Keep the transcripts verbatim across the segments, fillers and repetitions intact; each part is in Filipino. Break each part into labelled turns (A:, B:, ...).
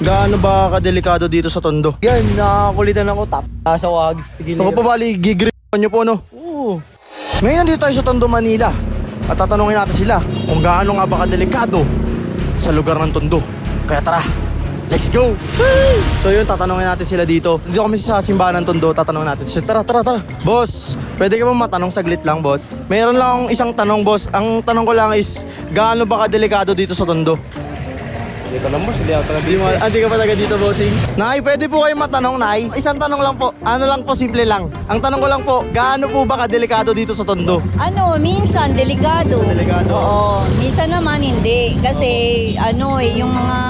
A: Gaano ba kadelikado dito sa Tondo?
B: Yan, nakakulitan ako. Tap sa wags. Tigil
A: Ako pa bali, gigripan nyo po no?
B: Oo.
A: Ngayon nandito tayo sa Tondo, Manila. At tatanungin natin sila kung gaano nga ba kadelikado sa lugar ng Tondo. Kaya tara, let's go! So yun, tatanungin natin sila dito. Dito kami sa simbahan ng Tondo, tatanungin natin sila. Tara, tara, tara. Boss, pwede ka ba matanong saglit lang, boss? Mayroon lang akong isang tanong, boss. Ang tanong ko lang is, gaano ba kadelikado dito sa Tondo?
B: Hindi ko lang boss, hindi ako talaga
A: Di mo, ah, di ka pa taga dito, bossing? Nay, pwede po kayo matanong, Nay? Isang tanong lang po. Ano lang po, simple lang. Ang tanong ko lang po, gaano po ba kadelikado dito sa Tondo?
C: Ano, minsan delikado.
A: Delikado?
C: Oo, minsan naman hindi. Kasi ano eh, yung mga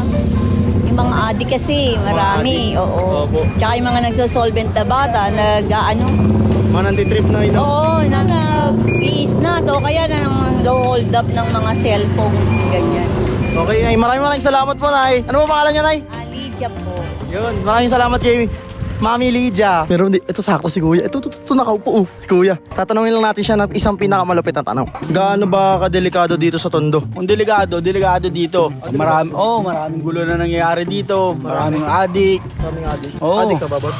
C: yung mga adik kasi, marami. Oo.
A: Opo.
C: Tsaka yung mga nagsosolvent na bata, nag ano,
A: Mga nanditrip na ino.
C: oo, na nag-i-snat o kaya na hold up ng mga cellphone, ganyan.
A: Okay, Nay. Maraming maraming salamat po, Nay. Ano po pangalan niya, Nay?
C: Ah, Lydia po.
A: Yun. Maraming salamat kay Mami Lydia. Pero hindi, ito sakto si Kuya. Ito, ito, ito, ito nakaupo, oh. Si Kuya. Tatanungin lang natin siya ng isang pinakamalupit na tanong. Gaano ba kadelikado dito sa Tondo?
D: Kung delikado, delikado dito. Marami, oh, maraming gulo na nangyayari dito. Maraming adik.
A: Maraming adik.
D: Oo.
A: Adik ka ba, boss?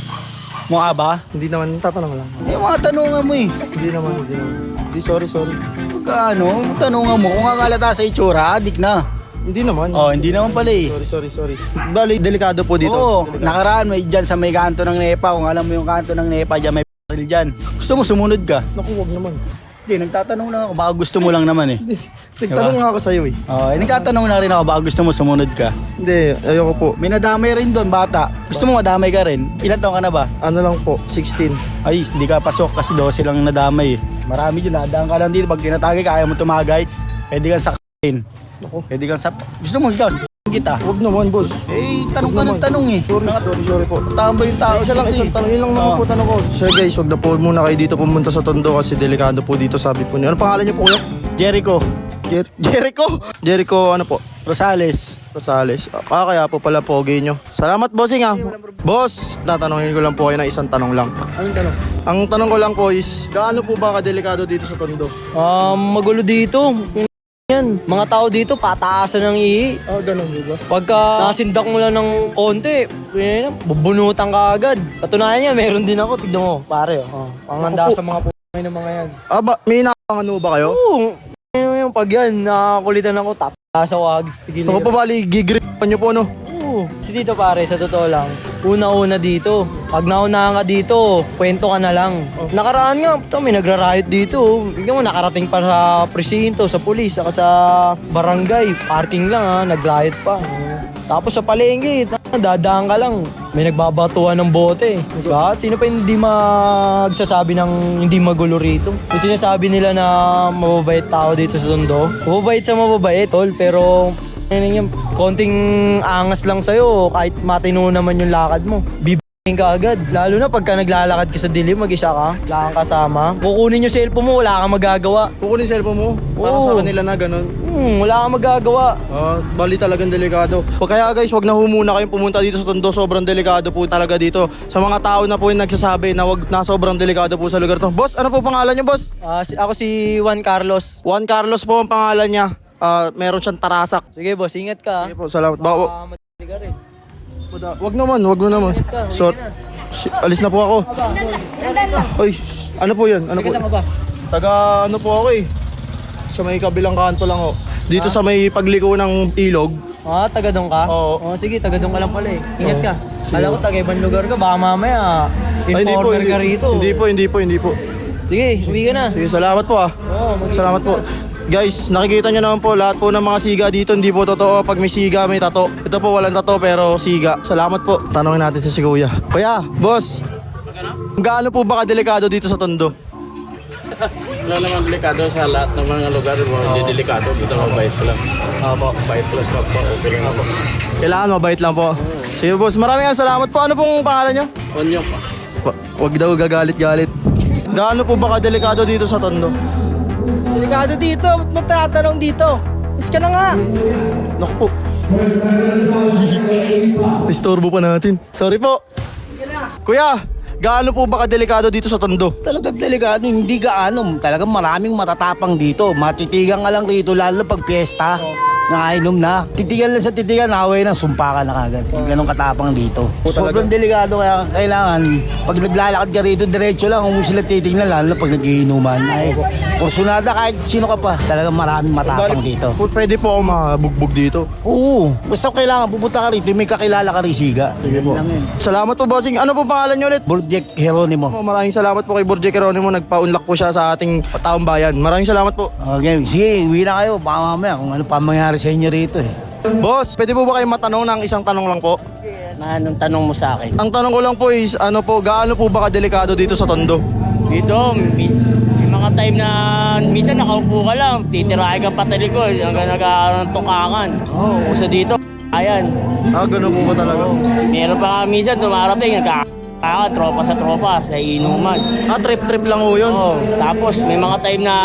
D: Mukha ba?
A: Hindi naman, tatanong lang.
D: Yung mga tanungan mo eh.
A: Hindi naman, hindi naman. Hindi, sorry, sorry.
D: Pagka ano, tanungan mo, kung akalata sa itsura, adik na.
A: Hindi naman.
D: Oh, hindi naman pala eh.
A: Sorry, sorry, sorry. Bali, delikado po dito.
D: Oo, nakaraan may dyan sa may kanto ng Nepa. Kung alam mo yung kanto ng Nepa, dyan may baril dyan. Gusto mo sumunod ka?
A: Naku, wag naman.
D: Hindi, nagtatanong lang ako. Baka gusto mo lang naman eh.
A: Nagtanong nga ako sa'yo eh.
D: Oh, eh, nagtatanong na rin ako. Baka gusto mo sumunod ka.
A: Hindi, ayoko po.
D: May nadamay rin doon, bata. Gusto mo madamay ka rin? Ilan taon ka na ba?
A: Ano lang po, sixteen.
D: Ay, hindi ka pasok kasi twelve lang nadamay eh. Marami dyan, nadaan ka lang dito. Pag tinatagay ka, ayaw mo tumagay, pwede kang sakain. Pwede kang sap... Gusto mo ikaw, kita.
A: Wag naman, boss.
D: Eh, tanong
A: Wag
D: ka
A: naman.
D: ng tanong eh.
A: Sorry, sorry, sorry po.
D: Tama ba yung tao?
A: Isa lang, isang tanong. Yun lang naman
D: Oo.
A: po tanong ko. Sir guys, wag na po muna kayo dito pumunta sa Tondo kasi delikado po dito, sabi po niyo. Ano pangalan niyo po kuya?
D: Jericho
A: Jer- Jericho? Jericho, ano po?
D: Rosales.
A: Rosales. Ah, kaya po pala pogi nyo. Salamat, bossing ah. Boss, tatanungin ko lang po kayo na isang tanong lang.
B: Anong tanong?
A: Ang tanong ko lang po is, gaano po ba kadelikado dito sa Tondo?
B: Um, magulo dito. Yan, mga tao dito pataasan ng ihi.
A: Ah, ganun po ba?
B: Pagka nasindak mo lang ng konti, yun, bubunutan ka agad. Katunayan niya, meron din ako. Tignan mo, pare. Oh. Panganda
A: Ako po.
B: sa mga p***ay ng mga yan.
A: Ah, ba, may nakakano ba kayo?
B: Oo, yun yung pag yan, nakakulitan ako. Tap sa wags. Tigil
A: Ako pa bali, gigripan nyo po no?
B: Oo. Si dito pare, sa totoo lang, una-una dito. Pag naunahan ka dito, kwento ka na lang. Nakaraan nga, ito, may nagra-riot dito. Bigyan mo, nakarating pa sa presinto, sa pulis, saka sa barangay. Parking lang ha, nag-riot pa. Tapos sa palengke, dadaan ka lang. May nagbabatuan ng bote. Diba? Sino pa hindi magsasabi ng hindi magulo rito? Yung sinasabi nila na mababait tao dito sa Tondo. Mababait sa mababait, tol, pero ano yan, konting angas lang sa'yo kahit matino naman yung lakad mo. Bibigyan ka agad. Lalo na pagka naglalakad ka sa dilim, mag-isa ka, wala kang kasama. Kukunin yung cellphone mo, wala kang magagawa.
A: Kukunin cellphone mo? Para
B: Oo.
A: sa kanila na ganun.
B: Hmm, wala kang magagawa.
A: Ah, bali talagang delikado. O kaya guys, wag na ho muna kayong pumunta dito sa Tondo. Sobrang delikado po talaga dito. Sa mga tao na po yung nagsasabi na wag na sobrang delikado po sa lugar to. Boss, ano po pangalan niyo, boss?
B: Ah, si, ako si Juan Carlos.
A: Juan Carlos po ang pangalan niya. Ah, meron siyang tarasak.
B: Sige boss, ingat ka.
A: Sige po, salamat. Ba- wa-
B: Baka madali ka rin.
A: wag naman, wag mo naman.
B: Ingat ka,
A: So,
B: ingat na.
A: shi- alis na po ako. Oy, ano po 'yan? Ano po?
B: Saan ka ba?
A: Taga ano po ako eh. Sa may kabilang kanto lang ho. Dito sa may pagliko ng ilog.
B: Ah, taga doon ka?
A: Oo.
B: Oh, sige, taga doon ka lang pala eh. Ingat
A: Oo.
B: ka. Kala ko taga ibang lugar ka, baka mamaya
A: Ay,
B: informer ka rito.
A: Hindi po, hindi po, hindi po.
B: Sige, uwi ka na.
A: Sige, salamat po ah.
B: Oo, mag-
A: Salamat po. Guys, nakikita nyo naman po, lahat po ng mga siga dito, hindi po totoo. Pag may siga, may tato. Ito po, walang tato, pero siga. Salamat po. Tanungin natin si Kuya. Kuya, boss. Gaano po ba kadelikado dito sa Tondo?
E: Wala naman delikado sa lahat ng mga lugar mo. Hindi delikado. Dito mabait lang.
A: Opo.
E: Mabait plus pa po. Okay lang ako.
A: Kailangan mabait lang po. Sige boss, maraming salamat po. Ano pong pangalan nyo?
E: Onyo pa.
A: Wa- Wag daw gagalit-galit. Gaano po ba kadelikado dito sa Tondo?
B: Delikado dito, ba't mo tatanong dito? Miss ka na nga.
A: Naku po. Istorbo pa natin. Sorry po. Kuya, gaano po ba kadelikado dito sa Tondo?
D: Talagang delikado, hindi gaano. Talagang maraming matatapang dito. Matitigan ka lang rito, lalo na pag piyesta. Nakainom na. Titigan lang sa titigan, away na, sumpa ka na kagad. Ganong katapang dito. Sobrang delikado kaya kailangan, pag naglalakad ka rito, diretso lang, kung sila titignan, lalo na pag nagiinuman. Ay, kursunada kahit sino ka pa. Talagang maraming matapang dito.
A: Po, pwede po ako mabugbog dito.
D: Oo, basta kailangan pupunta ka rito, may kakilala ka rin siga. Sige po.
A: Salamat po, bossing. Ano po pangalan niyo ulit?
D: Burjek Geronimo.
A: Po, maraming salamat po kay Borje Geronimo. Nagpa-unlock po siya sa ating taong bayan. Maraming salamat po.
D: Okay, sige, uwi na kayo. Baka mamaya kung ano pa mangyari sa inyo rito eh.
A: Boss, pwede po ba kayo matanong ng isang tanong lang po?
B: Na anong tanong mo sa akin?
A: Ang tanong ko lang po is, ano po, gaano po ba kadelikado dito sa Tondo?
B: Dito, may, may mga time na minsan nakaupo ka lang, titirahin ka patalikod hanggang nagkakaroon ng tukakan. Oo, oh, uso dito, ayan.
A: Ah, gano'n po ba talaga?
B: Meron pa nga minsan dumarating, nagkakaroon, tropa sa tropa, sa inuman.
A: Ah, trip-trip lang po yun.
B: Oo, tapos may mga time na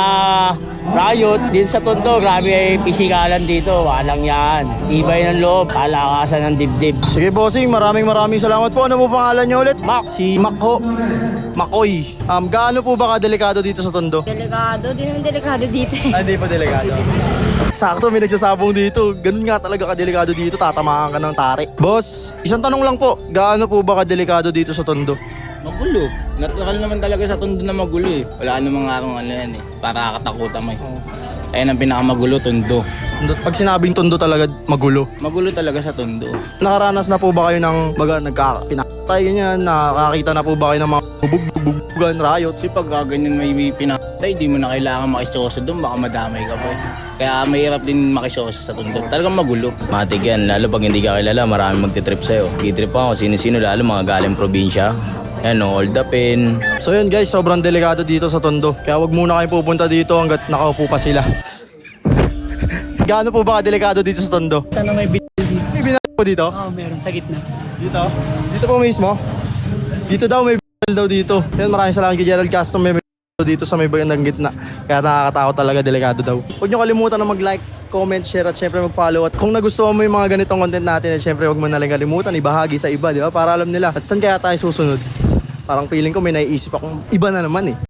B: riot din sa Tondo, grabe ay pisikalan dito, walang yan. Ibay ng loob, palakasan ng dibdib.
A: Sige, bossing, maraming maraming salamat po. Ano po pangalan niyo ulit?
B: Mac.
A: Si Mac ho. Makoy. Um, gaano po ba kadelikado dito sa Tondo?
C: Delikado, di naman delikado dito eh.
A: Ah, hindi pa delikado. Sakto, may nagsasabong dito. Ganun nga talaga kadelikado dito, tatamaan ka ng tari. Boss, isang tanong lang po. Gaano po ba kadelikado dito sa Tondo?
E: Magulo. Natural naman talaga sa Tondo na magulo eh. Wala namang arong ano yan eh. Para katakutan mo eh. Ayan ang pinakamagulo, Tondo.
A: Tondo- Pag sinabing Tondo talaga, magulo.
E: Magulo talaga sa Tondo.
A: Nakaranas na po ba kayo ng baga, nagkapinatay ganyan? Nakakita na po ba kayo ng mga bubug-bugan, riot?
E: Kasi pag ah, ganyan may pinatay, di mo na kailangan makisyoso doon, baka madamay ka pa eh. Kaya mahirap din makisyoso sa Tondo. Talagang magulo.
F: Matik yan, lalo pag hindi ka kilala, marami magtitrip sa'yo. Gitrip ako, sino-sino, lalo mga galing probinsya. Yan o, hold up in.
A: So yun guys, sobrang delikado dito sa Tondo. Kaya wag muna kayo pupunta dito hanggat nakaupo pa sila. Gaano po ba kadelikado dito sa Tondo?
G: Tanong may bil-
A: May binalik po dito?
G: Oo, meron sa gitna.
A: Dito? Dito po mismo? Dito daw, may b***l daw dito. Yan, maraming salamat kay Gerald Castro. May b***l dito sa may bandang gitna. Kaya nakakatakot talaga, delikado daw. Huwag nyo kalimutan na mag-like, comment, share at syempre mag-follow. At kung nagustuhan mo yung mga ganitong content natin, at syempre huwag mo nalang kalimutan, ibahagi sa iba, di ba? Para alam nila. At saan kaya tayo susunod? Parang feeling ko may naiisip akong iba na naman eh.